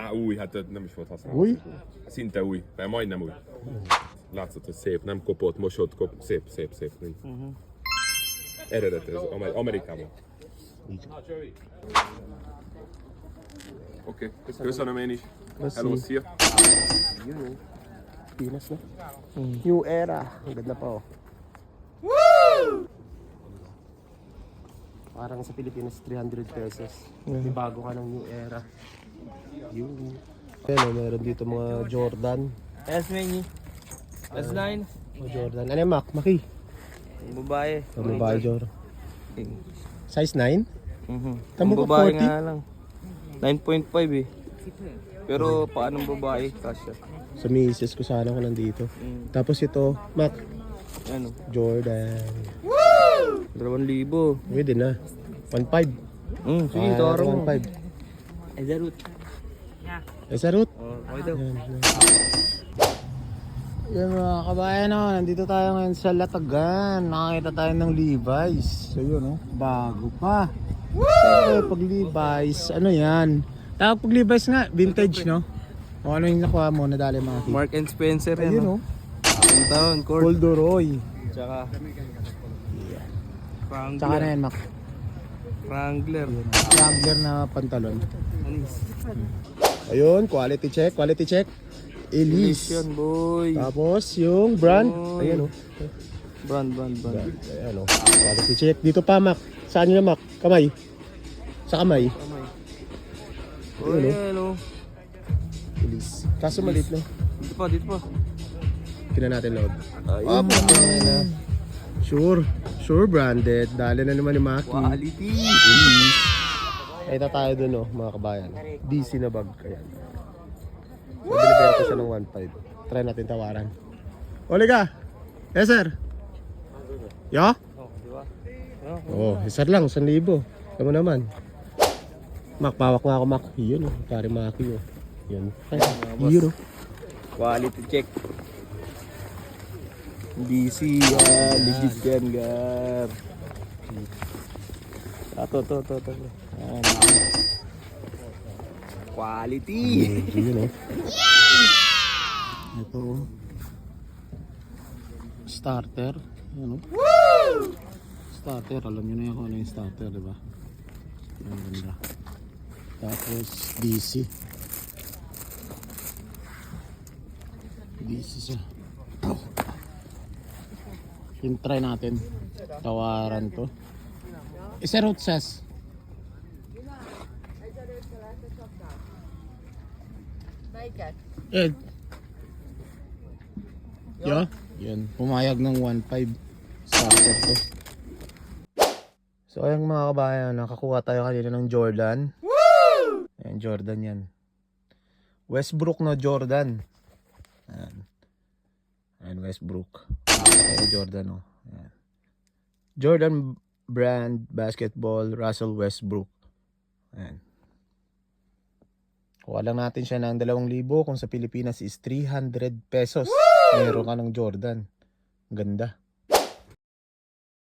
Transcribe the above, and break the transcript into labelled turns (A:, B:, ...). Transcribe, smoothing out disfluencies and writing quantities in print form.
A: új, hát nem is volt használva.
B: Új?
A: Szinte új, de majdnem új. Látszott, hogy szép, nem kopott, mosott, szép, szép, szép. Eredet ez, Amerikában. Oké, köszönöm én is. Hello, szia!
B: Pinas na. New era. Ang ganda pa oh. Parang sa Pilipinas 300 pesos. May bago ka ng new era. Yun. Ayan oh, meron dito mga Jordan.
C: S-Mini. S9.
B: Mga Jordan. Ano yung Mac? Maki?
C: Babae.
B: Ang babae Jordan. Size 9?
C: Ang
B: Tamo
C: babae
B: ka 40?
C: nga lang. 9.5 eh. Pero paanong babae? Kasya.
B: Sa misis ko sana ko nandito. Tapos ito, Mac.
C: Ano?
B: Jordan.
C: 2,000.
B: Pwede na. 1.5.
C: Sige, tawaro mo.
B: 1.5.
C: Ay, darut.
B: Eh, sarot.
C: Okay daw.
B: Yan mga kabayan, oh, nandito tayo ngayon sa Latagan. Nakakita tayo ng Levi's. So yun, oh, bago pa. Siyempre, pag Levi's, ano yan? Tawag pag Levi's nga, vintage, no? O ano yung nakuha mo, nadali mga kit?
C: Mark and Spencer yan.
B: Ayun, oh.
C: Ang taon, Cord.
B: Corduroy.
C: Tsaka.
B: Tsaka na yan, Mac.
C: Wrangler.
B: Wrangler na pantalon.
C: Anis.
B: Ayun, quality check, quality check. Elise.
C: Yan, boy.
B: Tapos yung brand,
C: Oy.
B: ayan, oh.
C: Brand.
B: Ayan, oh. Quality check. Dito pa, Mac. Saan nyo na, Mac? Kamay. Sa kamay.
C: Uy, ano?
B: Elise. Kaso maliit, no?
C: Dito pa.
B: Tingnan natin load.
C: Ayun.
B: na. Sure branded. Dali na naman ni Maki.
C: Quality.
B: Ito tayo dun, oh, mga kabayan. DC na bag. Ayan. So, binibenta siya ng 1.5. Try natin tawaran. Oliga! Yes, sir! Yo?
C: Oh, di ba?
B: Oh, sir lang, 1,000. Kamu naman. Mac, pawak nga ako, Mac. Yun, oh. Pare Maki, oh. Yun. Ay, yun, oh.
C: Quality check. DC yan. Legit yan, gar. To. Yan. Quality.
B: Yun, oh. Ito, oh. Starter. Yan, oh. Starter, alam nyo na yan kung ano yung starter, diba? Ang ganda. Tapos, DC. DC siya. Yung try natin. Tawaran to. Isa root sas. Ed. Yo? Yun. Pumayag ng 1.5. Starter to. So ayun mga kabayan, nakakuha tayo kanina ng Jordan. Ayan, Jordan yan. Westbrook na Jordan. Ayan, Westbrook. Ayan, Jordan, oh. Ayan. Jordan brand basketball, Russell Westbrook. Ayan. Kuha lang natin siya ng 2,000 kung sa Pilipinas is 300 pesos. Meron ka ng Jordan. Ganda.